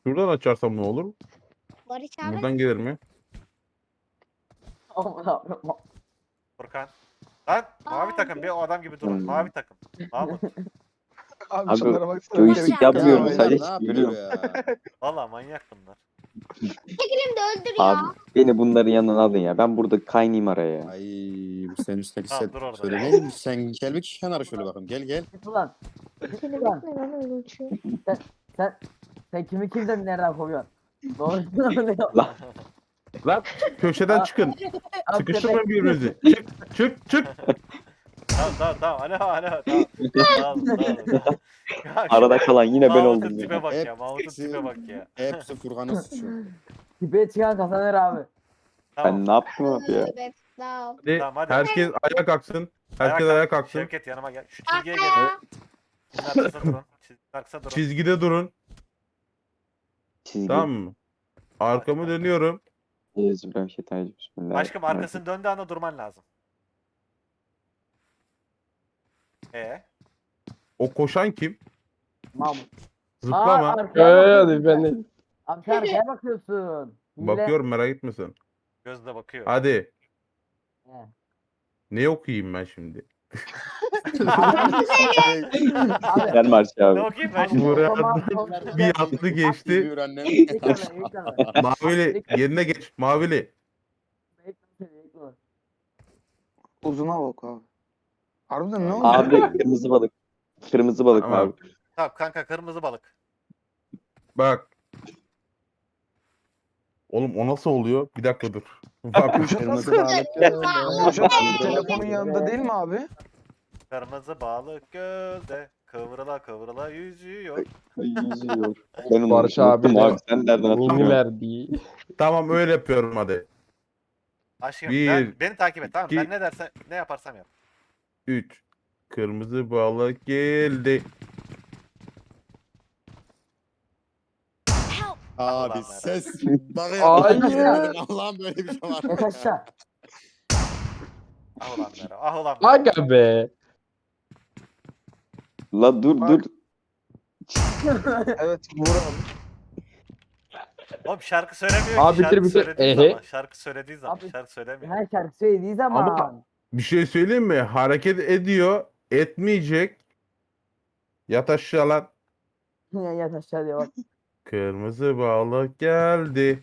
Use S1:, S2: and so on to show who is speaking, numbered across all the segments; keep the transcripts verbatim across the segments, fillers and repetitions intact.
S1: Şuradan açarsam ne olur?
S2: Barış abi.
S1: Buradan gelir mi?
S3: Furkan. Lan mavi
S2: Aa,
S3: takım bir o adam gibi durun.
S4: Hmm.
S3: Mavi takım. Mahmut.
S5: Abi,
S4: Abi
S5: şunlara baksana.
S4: joystick
S2: Ya,
S4: yapmıyorum
S2: ya,
S4: sadece
S6: ne yapıyor
S4: görüyorum.
S6: ya?
S3: Valla manyak bunlar.
S2: Çekilin de öldür
S4: Abi
S2: ya.
S4: beni bunların yanına alın ya. Ben burada kaynayayım araya.
S6: Ay bu senin üstteki
S3: Tamam,
S6: set.
S3: dur orada.
S6: Söylemeyin mi? Sen gel bir kenara şöyle bakayım. Gel gel.
S7: Git ulan. Git ulan.
S2: Ne lan öyle uçuyor?
S7: Sen sen kimi kimden nereden kovuyorsun? Doğru söylüyor.
S4: Lan
S1: Lan köşeden
S7: Aa.
S1: çıkın.
S7: Abi
S1: Sıkıştırmayın birbirinizi. Çık çık çık.
S3: Tamam tamam tamam. Alo alo. Tamam. Tamam tamam. tamam. Ya,
S4: arada kalan yine ben
S3: Mahmut'un
S4: oldum
S3: tipe
S4: ya.
S3: bak ya.
S6: Hep-
S3: Mahmut'un tipe bak ya.
S6: Hepsi Furkan'ın suçu.
S7: Tepeye çıkan kazanır abi.
S3: Tamam.
S4: Ben ne yaptım abi ya?
S2: Evet, sağ ol.
S1: Hadi,
S3: Tamam, hadi.
S1: herkes ayağa kalksın. Herkes
S3: Ayağa
S1: ayağa kalksın.
S3: Şevket yanıma gel. Şu çizgiye gel.
S2: Arkaya.
S3: Çizginin arkasına durun. Çizginin arkasına durun.
S1: Çizgide durun.
S4: Çizgi.
S1: Tamam mı? Arkamı dönüyorum.
S4: Euzubillahimineşşeytanirracim. Bismillahirrahmanirrahim.
S3: Aşkım arkasını döndüğü anda durman lazım. Ee?
S1: O koşan kim?
S7: Mahmut.
S1: Zıplama.
S7: arkaya
S8: Hadi ben de.
S7: Abi sen arkaya bakıyorsun. Hile.
S1: Bakıyorum, merak etmesin.
S3: Gözle bakıyor.
S1: Hadi.
S7: He.
S1: Ne okuyayım ben şimdi?
S7: Abi.
S4: Gel Marş
S3: Ne
S4: abi.
S3: okuyayım ben
S7: Abi,
S3: şimdi?
S1: Buraya
S7: o zaman-
S1: Bir atlı geçti.
S6: Buyur annem.
S7: Ekrana, ekrana.
S1: Mavili yerine geç. Mavili.
S7: Ekrana, ekrana.
S5: Uzuna bak abi. Harbiden ne oldu?
S4: Abi kırmızı balık. Kırmızı balık
S1: Tamam.
S4: abi.
S3: Tamam kanka kırmızı balık.
S1: Bak. Oğlum o nasıl oluyor? Bir dakika dur. Bak.
S6: Kırmızı balık gölde.
S5: Boşa telefonun yanında değil mi abi?
S3: Kırmızı balık gölde kıvrıla kıvrıla yüzüyor.
S4: Ay, yüzüyor. Ben onu
S8: Barış
S4: unuttum
S8: abi
S4: abi. Sen nereden
S8: Mini
S4: hatırlıyorsun?
S8: verdi.
S1: Tamam öyle yapıyorum hadi.
S3: Aşkım
S1: Bir,
S3: ben, beni takip et tamam mı?
S1: iki-
S3: Ben ne dersen ne yaparsam yap.
S1: üç. Kırmızı balık geldi.
S6: Abi
S3: Allah'ım
S6: ses. Bak
S8: Ay.
S6: ya. Allah'ım böyle bir şey var.
S7: Et aşağı.
S3: Ah ulan Mero. Ah ulan Mero.
S8: Aga be.
S4: La dur dur.
S5: Evet vur abi.
S3: Oğlum şarkı söylemiyor
S8: Abi
S3: ki.
S8: bitir,
S3: Şarkı
S8: bitir.
S3: söylediği
S8: Ehe.
S3: zaman. Şarkı söylediği zaman.
S7: Abi-
S3: Şarkı söylemiyor.
S7: Her şarkı söylediği zaman.
S1: Ama- Bir şey söyleyeyim mi? Hareket ediyor. Etmeyecek. Yat aşağı lan.
S7: Ya yat aşağı diyor bak.
S1: Kırmızı balık geldi.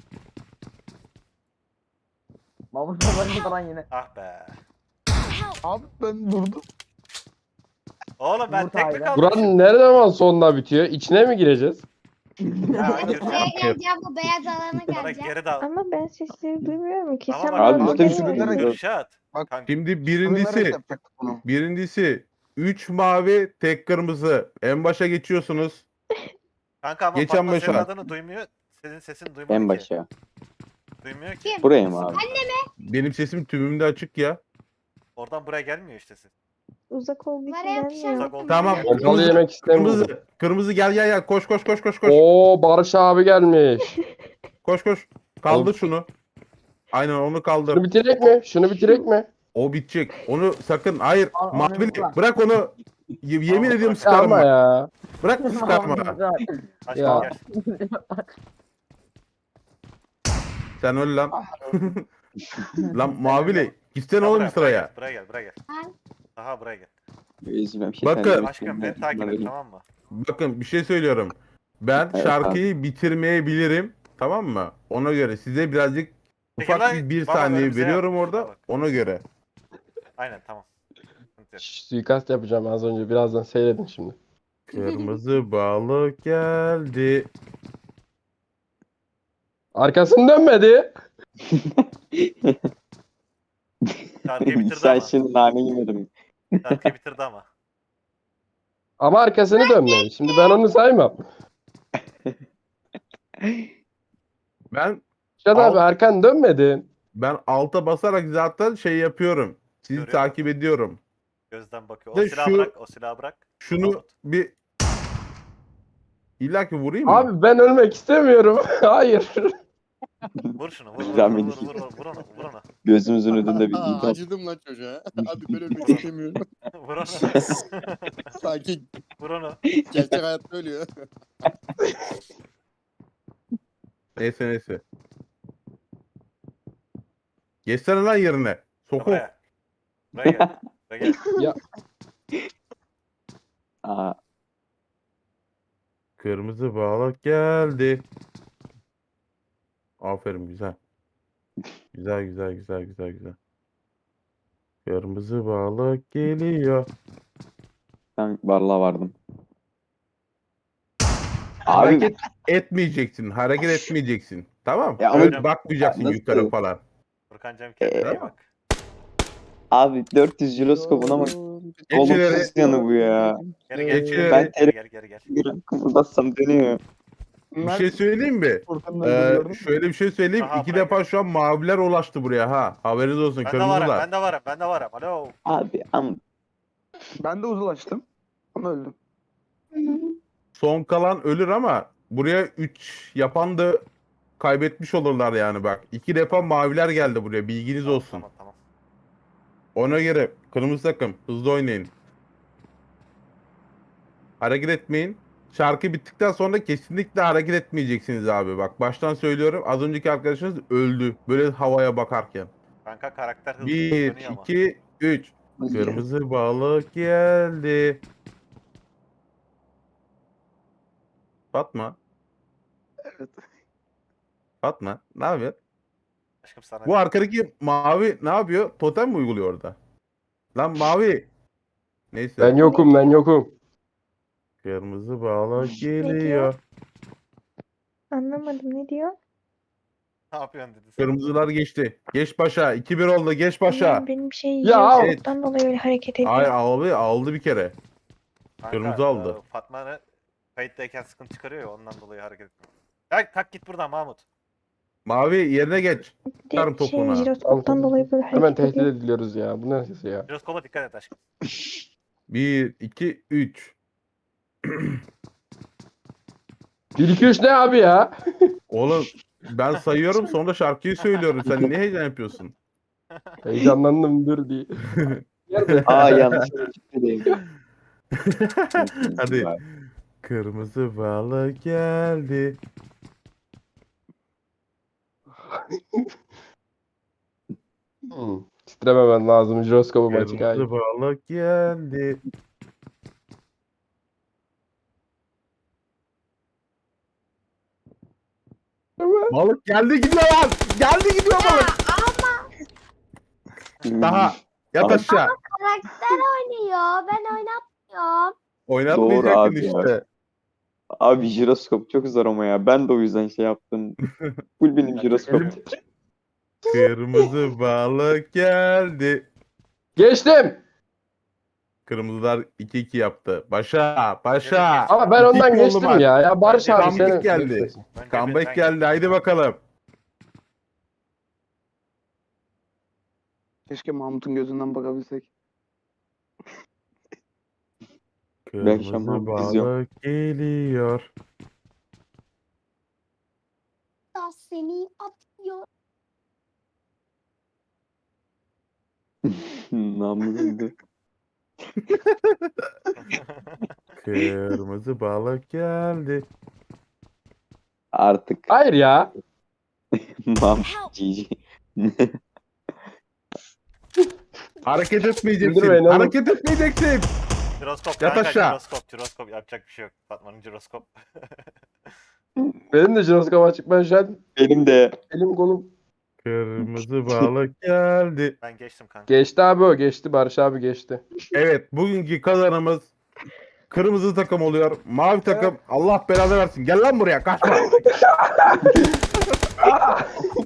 S7: Mahmut babanın falan yine.
S3: Ah be.
S5: Abi ben durdum.
S3: Oğlum ben
S7: Yumurta
S3: tek mi
S7: ayrı.
S3: kalmışım?
S8: Buranın nerede zaman sonunda bitiyor? İçine mi gireceğiz?
S3: Ha, hayır.
S2: Buraya geleceğim, bu beyaz alana
S3: Sonra
S2: geleceğim.
S3: geri dal.
S9: Ama ben sesleri duymuyorum ki.
S3: Ama
S9: Sen
S3: bak,
S4: Abi
S9: bana
S4: işte
S9: demiyor
S4: sürünerek-
S9: musun?
S3: Kürşat.
S5: Bak-
S3: Kanka,
S1: Şimdi
S5: Birincisi.
S1: birincisi,
S5: Yapacaktık bunu.
S1: birincisi üç mavi tek kırmızı. En başa geçiyorsunuz.
S3: kanka ama
S1: Geçen
S3: Fatma
S1: başa.
S3: senin adını duymuyor. Senin sesini duymuyor
S4: En
S3: ki.
S4: başa.
S3: Duymuyor ki.
S2: Kim?
S4: Buraya mı abi?
S1: Benim sesim tümümde açık ya.
S3: Oradan buraya gelmiyor işte ses.
S9: Uzak olduğu için
S2: Var ya,
S9: gelmiyor.
S3: Uzak oldu.
S1: Tamam.
S8: Pompalı
S1: Kırmızı,
S8: yemek istemiyorum.
S1: kırmızı, kırmızı gel gel gel. Koş koş koş koş koş.
S8: Oo Barış abi gelmiş.
S1: Koş koş. Kaldır
S8: Oğlum.
S1: şunu. Aynen onu kaldır.
S8: Şunu bitirek mi? Şunu bitirek mi?
S1: O bitecek. Onu sakın. Hayır.
S7: Al- onu
S1: Mavili
S7: bırak.
S1: bırak onu. Y- yemin
S3: Ama
S1: ediyorum
S3: bırak.
S1: sıkarım.
S8: Ama
S1: bak.
S8: ya.
S1: Bırak sıkarım. ha.
S3: Aşkım
S8: Ya.
S3: gel.
S1: Sen öl lan. Lan Mavili. Gitsene
S3: Ha,
S1: oğlum
S3: buraya,
S1: bir sıraya.
S3: Buraya gel, buraya gel.
S2: Ay.
S3: Aha buraya gel.
S1: Bakın.
S3: Aşkım beni takip et tamam mı?
S1: Bakın bir şey söylüyorum. Ben
S4: Evet,
S1: şarkıyı bitirmeyebilirim. Tamam mı? Ona göre size birazcık
S3: Peki
S1: ufak
S3: lan,
S1: bir, bir
S3: baba
S1: saniye
S3: önümüze
S1: veriyorum
S3: yapmış,
S1: orada.
S3: bak.
S1: Ona göre.
S3: Aynen tamam. Sıkıntı yok.
S8: Şş, suikast yapacağım az önce. Birazdan seyredin şimdi.
S1: Kırmızı balık geldi.
S8: Arkasını dönmedi.
S3: Şarkıyı bitirdi
S4: Sen
S3: ama.
S4: şimdi nane yemedim.
S3: Şarkıyı bitirdi ama.
S8: Ama arkasını dönmedi. Şimdi ben onu saymam.
S1: Ben
S8: Şad abi
S1: Al.
S8: arkan dönmedin.
S1: ben alta basarak zaten şey yapıyorum. Sizi
S3: Görüyorum.
S1: takip ediyorum.
S3: Gözden bakıyor. O
S1: De
S3: silahı
S1: şu-
S3: bırak, o silahı bırak.
S1: Şunu
S3: Mahmut.
S1: bir İlla ki vurayım mı?
S8: Abi ben ölmek istemiyorum. Hayır.
S3: Vur şunu, vur, vur, vur,
S4: Zahmet
S3: vur,
S4: için.
S3: vur, vur, vur onu, vur onu.
S4: Gözümüzün önünde bir
S6: Aa,
S4: intihar.
S6: acıdım lan çocuğa. Abi böyle ölmek istemiyorum.
S3: Vur onu.
S6: Sanki
S3: Vur onu.
S6: gerçek hayatta ölüyor.
S1: Neyse neyse. Geçsene lan yerine. Sokuk.
S3: Buraya. Buraya gel. Buraya gel.
S4: Aa,
S1: Kırmızı balık geldi. Aferin güzel. Güzel güzel güzel güzel güzel. Kırmızı balık geliyor.
S4: ben varlığa vardım. Abi
S1: Hareket etmeyeceksin. Hareket etmeyeceksin. Tamam.
S4: Ya ama-
S1: Öyle bakmayacaksın
S4: Ya nasıl?
S1: yukarı falan.
S3: Furkan kendine iyi
S4: Ee,
S3: bak.
S4: abi dört yüz jiroskopuna bak.
S1: Geçileri.
S4: Olumsuz yanı bu ya.
S3: Geri gel.
S1: Geçiyor.
S3: Geri gel geri gel. gel.
S4: Bir kımıldatsam dönüyor.
S1: Bir şey söyleyeyim mi?
S5: Furkan'ın
S1: Ee,
S5: öldüğünü gördün mü?
S1: şöyle bir şey söyleyeyim.
S3: Aha,
S1: İki
S3: bırak.
S1: defa şu an maviler ulaştı buraya ha. Haberiniz olsun.
S3: Ben de varım.
S1: Kırmızılar.
S3: Ben de varım. Ben de varım. Alo.
S4: Abi am
S5: Ben de uzlaştım. Ama öldüm.
S1: Son kalan ölür ama buraya üç yapan da kaybetmiş olurlar yani bak. İki defa maviler geldi buraya. Bilginiz
S3: Tamam,
S1: olsun.
S3: Tamam tamam.
S1: Ona göre kırmızı takım hızlı oynayın. Hareket etmeyin. Şarkı bittikten sonra kesinlikle hareket etmeyeceksiniz abi. Bak baştan söylüyorum. Az önceki arkadaşınız öldü. Böyle havaya bakarken.
S3: Kanka karakter hızlı
S1: Bir,
S3: dönüyor ama.
S1: iki, üç. Kırmızı balık geldi. Fatma.
S5: Evet.
S1: Fatma. Ne yapıyor?
S3: Aşkım sana.
S1: Bu arkadaki mavi ne yapıyor? Totem mi uyguluyor orada? Lan mavi. Neyse.
S8: Ben yokum ben yokum.
S1: Kırmızı balık geliyor.
S9: Anlamadım ne diyor?
S3: Ne yapıyorsun dedi. sana.
S1: Kırmızılar geçti. Geç başa. iki bir oldu. Geç başa.
S9: Yani benim şey
S8: Ya,
S9: jiroskoptan dolayı öyle hareket ediyor.
S1: Hayır abi aldı bir kere.
S3: Kanka,
S1: Kırmızı aldı.
S3: e, Fatma'nın kayıttayken sıkıntı çıkarıyor ya ondan dolayı hareket etmiyor. Ya kalk git buradan Mahmut.
S1: Mavi yerine geç.
S9: Bir
S1: Tutarım
S9: de şey
S1: topuna.
S9: jiroskoptan dolayı böyle hareket
S8: Hemen tehdit
S9: ediyor.
S8: ediliyoruz ya. Bu ne sesi ya?
S3: Jiroskopa dikkat et aşkım.
S1: bir, iki, üç.
S8: bir iki üç ne abi ya?
S1: Oğlum ben sayıyorum sonra şarkıyı söylüyorum. Sen ne heyecan yapıyorsun?
S8: Heyecanlandım dur diye.
S4: aa yanlış değil.
S1: Hadi. Kırmızı balık geldi.
S8: Hmm. Titrememen lazım. Jiroskopum açık
S1: Kırmızı
S8: hayır.
S1: balık geldi. Balık geldi gidiyor lan. Geldi gidiyor balık. Daha. Yat
S4: Abi.
S1: aşağı.
S2: Karakter oynuyor. Ben oynatmıyorum.
S1: Oynatmayacaksın
S4: abi ya.
S1: işte.
S4: Abi jiroskop çok zor ama ya. Ben de o yüzden şey yaptım. Full benim jiroskop.
S1: Kırmızı balık geldi.
S8: Geçtim.
S1: Kırmızılar iki iki yaptı. Başa, başa.
S8: Ama ben
S1: İki
S8: ondan
S1: iki oldu
S8: geçtim
S1: maç.
S8: ya. Ya Barış abi
S1: Comeback
S8: senin.
S1: geldi.
S3: Önce bir-
S1: Comeback
S3: ben-
S1: geldi. Haydi bakalım.
S5: Keşke Mahmut'un gözünden bakabilsek.
S4: Ben
S1: Kırmızı
S4: şamam
S1: balık
S4: izliyorum.
S1: geliyor.
S2: Da seni atıyor.
S4: Namlıydı.
S1: Kırmızı balık geldi.
S4: Artık
S8: Hayır ya.
S4: Mahmut G G.
S1: Hareket etmeyeceksin.
S8: Güldürmeyin oğlum.
S1: Hareket etmeyeceksin.
S3: Jiroskop
S1: Yat
S3: kanka
S1: aşağı.
S3: jiroskop jiroskop yapacak bir şey yok. Fatma'nın jiroskop.
S8: Benim de jiroskop açık. Ben şu an
S4: Benim de
S8: elim kolum.
S1: Kırmızı balık geldi.
S3: Ben geçtim kanka.
S8: Geçti abi o. Geçti. Barış abi geçti.
S1: Evet bugünkü kazanımız kırmızı takım oluyor. Mavi takım Allah belanı versin. Gel lan buraya kaçma.